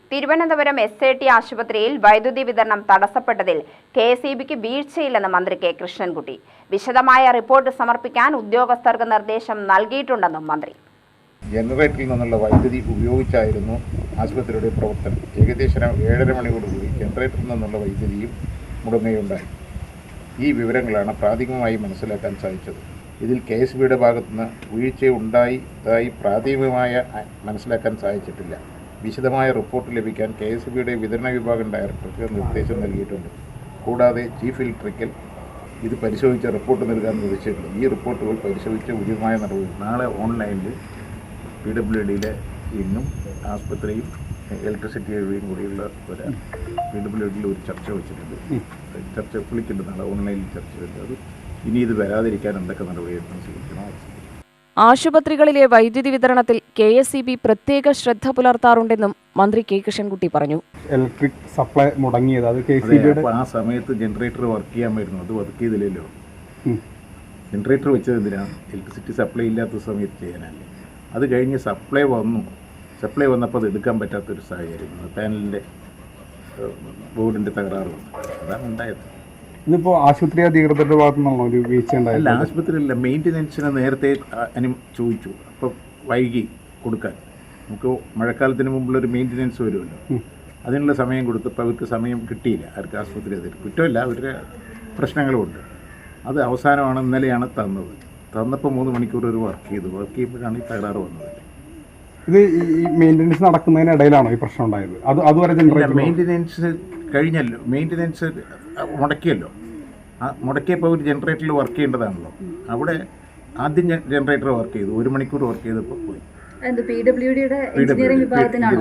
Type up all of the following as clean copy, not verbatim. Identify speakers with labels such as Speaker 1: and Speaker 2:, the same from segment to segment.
Speaker 1: Thiruvananthapuram SAT ആശുപത്രിയിൽ വൈദ്യുതി വിതരണം തടസ്സപ്പെട്ടതിൽ KSEBിക്ക് വീഴ്ചയില്ലെന്ന് മന്ത്രി കെ കൃഷ്ണൻകുട്ടി. വിശദമായ റിപ്പോർട്ട് സമർപ്പിക്കാൻ ഉദ്യോഗസ്ഥർക്ക് നിർദ്ദേശം നൽകിയിട്ടുണ്ടെന്നും മന്ത്രി.
Speaker 2: ജനറേറ്ററിൽ നിന്നുള്ള വൈദ്യുതി ഉപയോഗിച്ചായിരുന്നു ആശുപത്രിയുടെ പ്രവർത്തനം. ഏകദേശം 7:30 മണിയോടുകൂടി ജനറേറ്ററിൽ നിന്നുള്ള വൈദ്യുതിയും മുടങ്ങുകയുണ്ടായി. ഈ വിവരങ്ങളാണ് പ്രാഥമികമായി മനസ്സിലാക്കാൻ സാധിച്ചത്. ഇതിൽ KSEBിയുടെ ഭാഗത്തുനിന്ന് വീഴ്ചയുണ്ടായതായി പ്രാഥമികമായ മനസ്സിലാക്കാൻ സാധിച്ചിട്ടില്ല. വിശദമായ റിപ്പോർട്ട് ലഭിക്കാൻ KSEBിയുടെ വിതരണ വിഭാഗം ഡയറക്ടർക്ക് നിർദ്ദേശം നൽകിയിട്ടുണ്ട്. കൂടാതെ ചീഫ് ഇലക്ട്രിക്കൽ ഇത് പരിശോധിച്ച റിപ്പോർട്ട് നൽകാൻ നിർദ്ദേശിച്ചിട്ടുണ്ട്. ഈ റിപ്പോർട്ടുകൾ പരിശോധിച്ച് ഉചിതമായ നടപടി നാളെ ഓൺലൈനിൽ PWDയിലെ ഇന്നും ആശുപത്രിയും ഇലക്ട്രിസിറ്റിയും കൂടിയുള്ള ഒരു PWDയിൽ ഒരു ചർച്ച വെച്ചിട്ടുണ്ട്. ചർച്ച വിളിക്കുന്നുണ്ട്, നാളെ ഓൺലൈനിൽ ചർച്ച വരുന്നത്. അത് ഇനി ഇത് വരാതിരിക്കാൻ എന്തൊക്കെ നടപടിയെടുക്കാൻ സ്വീകരിക്കണം.
Speaker 3: ആശുപത്രികളിലെ വൈദ്യുതി വിതരണത്തിൽ KSEB പ്രത്യേക ശ്രദ്ധ പുലർത്താറുണ്ടെന്നും മന്ത്രി കെ കൃഷ്ണൻകുട്ടി പറഞ്ഞു.
Speaker 4: ഇലക്ട്രിക് സപ്ലൈ മുടങ്ങിയത്
Speaker 2: ആ സമയത്ത് ജനറേറ്റർ വർക്ക് ചെയ്യാൻ വരുന്നു, അത് വർക്ക് ചെയ്തില്ലല്ലോ. ജനറേറ്റർ വെച്ചത് എന്തിനാണ്? ഇലക്ട്രിസിറ്റി സപ്ലൈ ഇല്ലാത്ത സമയത്ത് ചെയ്യാനല്ലേ. അത് കഴിഞ്ഞ് സപ്ലൈ വന്നപ്പോൾ അത് എടുക്കാൻ പറ്റാത്തൊരു സാഹചര്യം, പാനലിൻ്റെ ബോർഡിൻ്റെ തകരാറ് വന്നു. അതാണ് ഉണ്ടായത്.
Speaker 4: ഇതിപ്പോൾ ആശുപത്രി അധികൃതരുടെ ഭാഗത്തു നിന്നാണോ ഒരു വീഴ്ച ഉണ്ടായത്?
Speaker 2: അല്ല, ആശുപത്രിയിലല്ല, മെയിൻ്റനൻസിന് നേരത്തെ ചോദിച്ചു. അപ്പോൾ വൈകി കൊടുക്കാൻ. നമുക്ക് മഴക്കാലത്തിന് മുമ്പുള്ളൊരു മെയിൻ്റനൻസ് വരുമല്ലോ, അതിനുള്ള സമയം കൊടുത്തപ്പോൾ അവർക്ക് സമയം കിട്ടിയില്ല. അവർക്ക് ആശുപത്രി അതിൽ കുറ്റമല്ല, അവരുടെ പ്രശ്നങ്ങളുമുണ്ട്. അത് അവസാനമാണ് ഇന്നലെയാണ് തന്നത്. തന്നപ്പോൾ 3 മണിക്കൂർ ഒരു വർക്ക് ചെയ്യുമ്പോഴാണ് ഈ തകരാറ് വന്നത്.
Speaker 4: ഇത് ഈ മെയിൻ്റനൻസ് നടക്കുന്നതിനിടയിലാണോ ഈ പ്രശ്നം ഉണ്ടായത്? അതുവരെ
Speaker 2: മെയിൻ്റനൻസ് കഴിഞ്ഞല്ലോ, മെയിൻ്റനൻസ് മുടക്കിയല്ലോ. മുടക്കിയപ്പോൾ ഒരു ജനറേറ്ററിൽ വർക്ക് ചെയ്യേണ്ടതാണല്ലോ. അവിടെ ആദ്യം ജനറേറ്റർ വർക്ക് ചെയ്തു, 1 മണിക്കൂർ വർക്ക് ചെയ്തപ്പോൾ പോയി.
Speaker 5: PWDയുടെ എഞ്ചിനീയറിംഗ് വിഭാഗത്തിനാണോ?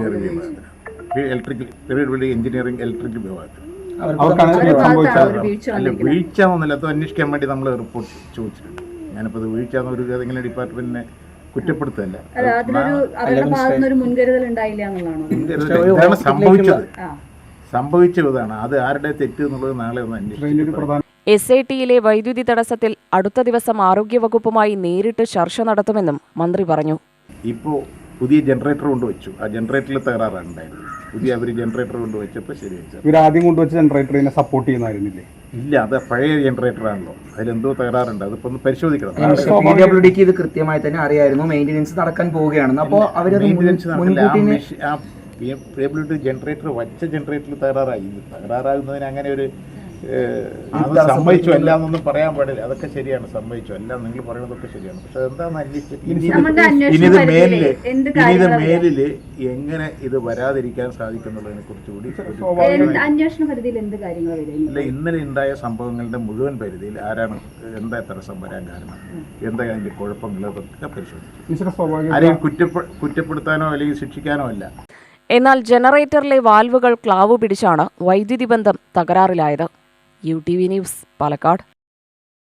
Speaker 2: എഞ്ചിനീയറിംഗ് ഇലക്ട്രിക്കൽ വിഭാഗത്തിൽ.
Speaker 4: അല്ല,
Speaker 2: വീഴ്ച ഒന്നുമില്ല. അത് അന്വേഷിക്കാൻ വേണ്ടി നമ്മൾ റിപ്പോർട്ട് ചോദിച്ചിട്ടുണ്ട്. ഞാനിപ്പോൾ അത് വീഴ്ച എന്നൊരു ഏതെങ്കിലും ഡിപ്പാർട്ട്മെന്റിനെ കുറ്റപ്പെടുത്തല്ല. സംഭവിച്ചതാണ്. അത് ആരുടെ തെറ്റ് എന്നുള്ളത് നാളെ ഒന്ന് അന്വേഷിക്കും.
Speaker 3: SATയിലെ വൈദ്യുതി തടസ്സത്തിൽ അടുത്ത ദിവസം ആരോഗ്യവകുപ്പുമായി നേരിട്ട് ചർച്ച നടത്തുമെന്നും മന്ത്രി പറഞ്ഞു.
Speaker 2: ഇപ്പോൾ പുതിയ ജനറേറ്റർ കൊണ്ടുവച്ചു. ആ ജനറേറ്ററിൽ തകരാറാണ് ഉണ്ടായിരുന്നത്. അവർ ജനറേറ്റർ കൊണ്ടുവച്ചപ്പോൾ ശരിയായി.
Speaker 4: ഇവരാദ്യം കൊണ്ടുവച്ച ജനറേറ്ററിനെ സപ്പോർട്ട് ചെയ്യുന്നതായിരുന്നില്ലേ?
Speaker 2: ഇല്ല, അത് പഴയ ജനറേറ്ററാണല്ലോ. അതിലെന്തോ തകരാറുണ്ട്. അതിപ്പോൾ ഒന്ന് പരിശോധിക്കണം.
Speaker 6: PWDക്ക് ഇത് കൃത്യമായി തന്നെ അറിയായിരുന്നു മെയിൻ്റനൻസ് നടക്കാൻ പോവുകയാണെന്ന്. അപ്പോൾ അവർ
Speaker 2: PWD ജനറേറ്റർ വച്ച ജനറേറ്ററിൽ തകരാറാകുന്നതിന് അങ്ങനെ ഒരു സംഭവിച്ചു അല്ല എന്നൊന്നും പറയാൻ പാടില്ല. അതൊക്കെ ശരിയാണ്, സംഭവിച്ചു അല്ല നിങ്ങൾ പറയുന്നതൊക്കെ ശരിയാണ്. പക്ഷെ അതെന്താണെന്ന് അന്വേഷിച്ചിട്ട് ഇത് മേലില് എങ്ങനെ ഇത് വരാതിരിക്കാൻ സാധിക്കുന്നുള്ളതിനെ കുറിച്ചുകൂടി ഇല്ല. ഇന്നലെ ഉണ്ടായ സംഭവങ്ങളുടെ മുഴുവൻ പരിധിയിൽ ആരാണ്, എന്താ തടസ്സം വരാൻ കാരണം, എന്താ അതിന്റെ കുഴപ്പങ്ങൾ, അതൊക്കെ പരിശോധിച്ചു. ആരെയും കുറ്റപ്പെടുത്താനോ അല്ലെങ്കിൽ ശിക്ഷിക്കാനോ അല്ല.
Speaker 3: എന്നാൽ ജനറേറ്ററിലെ വാൽവുകൾ ക്ലാവ് പിടിച്ചാണ് വൈദ്യുതി ബന്ധം തകരാറിലായത്. UTV news, Palakkad.